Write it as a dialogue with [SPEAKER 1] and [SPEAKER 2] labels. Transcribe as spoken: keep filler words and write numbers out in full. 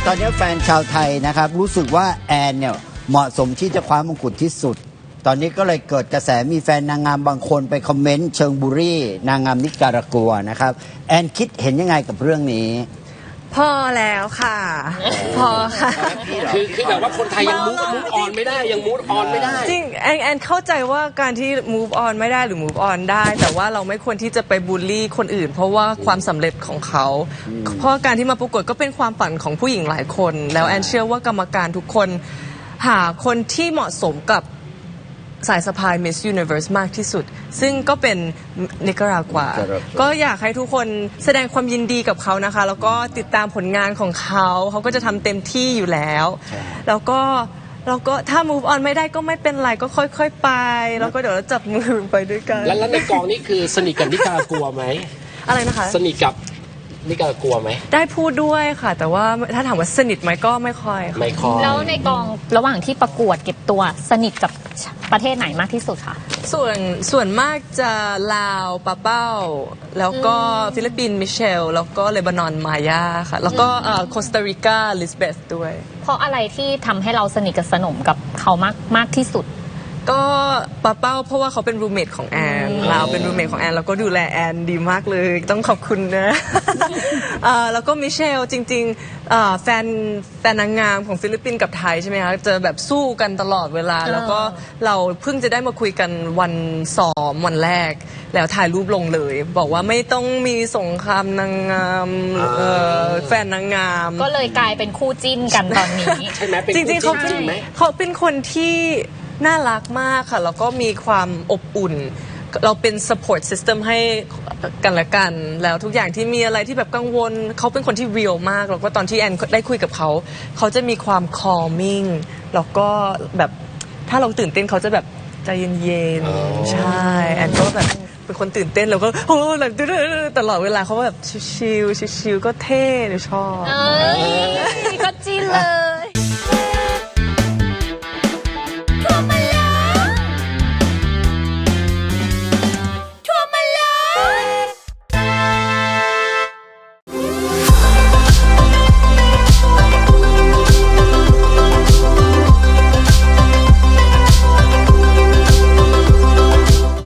[SPEAKER 1] ตอนนี้แฟนชาวไทยนะครับรู้สึกว่าแอนเนี่ยเหมาะสมที่จะคว้ามงกุฎที่สุดตอนนี้ก็เลยเกิดกระแสมีแฟนนางงามบางคนไปคอมเมนต์เชิงบุรี่นางงามนิการากัวนะครับแอนคิดเห็นยังไงกับเรื่องนี้
[SPEAKER 2] พอแล้วค่ะ พอค่ะ
[SPEAKER 3] คือคือแบบว่าคนไทยยังมูฟมูฟออนไม่ได้ยังมูฟออนไม่ได้
[SPEAKER 2] จริงแอนแอนเข้าใจว่าการที่ move on ไม่ได้หรือ move on ได้แต่ว่าเราไม่ควรที่จะไปบูลลี่คนอื่นเพราะว่าความสำเร็จของเขาเพราะการที่มาประกวดก็เป็นความฝันของผู้หญิงหลายคนแล้วแอนเชื่อว่ากรรมการทุกคนหาคนที่เหมาะสมกับสายสะพาย Miss Universe มากที่สุดซึ่งก็เป็นนิการากวาก็อยากให้ทุกคนแสดงความยินดีกับเขานะคะแล้วก็ติดตามผลงานของเขาเขาก็จะทำเต็มที่อยู่แล้วแล้วก็แล้วก็ถ้า move on ไม่ได้ก็ไม่เป็นไรก็ค่อยๆไปแล้วก็เดี๋ยวเราจับมือไปด้วยกัน
[SPEAKER 3] แล้วในกองนี้คือสนิทกับนิการากวไหม
[SPEAKER 2] อะไรนะคะ
[SPEAKER 3] สนิทกับนิการากวไหม
[SPEAKER 2] ได้พูดด้วยค่ะแต่ว่าถ้าถามว่าสนิทไหมก็ไม่ค่อย
[SPEAKER 3] ไม่ค่อย
[SPEAKER 4] แล้วในกองระหว่างที่ประกวดเก็บตัวสนิทกับประเทศไหนมากที่สุดคะ
[SPEAKER 2] ส่วนส่วนมากจะลาวปาเป้าแล้วก็ฟิลิปปินส์มิเชลแล้วก็เลบานอนมายาค่ะแล้วก็โคสตาริกาลิสเบธด้วย
[SPEAKER 4] เพราะอะไรที่ทำให้เราสนิทกับสนมกับเขามากมากที่สุด
[SPEAKER 2] ก็ปาเป้าเพราะว่าเขาเป็นรูเมทของแอนเราเป็นรูเมทของแอนแล้วก็ดูแลแอนดีมากเลยต้องขอบคุณนะแล้วก็มิเชลจริงๆแฟนแฟนนางงามของฟิลิปปินส์กับไทยใช่ไหมคะจะแบบสู้กันตลอดเวลาแล้วก็เราเพิ่งจะได้มาคุยกันวันซ้อมวันแรกแล้วถ่ายรูปลงเลยบอกว่าไม่ต้องมีสงครามนางงามแฟนนางงาม
[SPEAKER 4] ก็เลยกลายเป็นคู่จิ้นกันตอนนี้
[SPEAKER 3] ใช่ไหม
[SPEAKER 2] จริงๆเขาเป็นเขาเป็นคนที่น่ารักมากค่ะแล้วก็มีความอบอุ่นเราเป็น support system ให้กันและกันแล้วทุกอย่างที่มีอะไรที่แบบกังวลเขาเป็นคนที่ real มากแล้วก็ตอนที่แอนได้คุยกับเขาเขาจะมีความ calming แล้วก็แบบถ้าเราตื่นเต้นเขาจะแบบใจเย็นๆใช่แอนก็แบบเป็นคนตื่นเต้นแล้วก็โอ้แบบตลอดเวลาเขาแบบชิลๆชิลๆก็เท่เลยชอบ
[SPEAKER 4] ก็จีเลย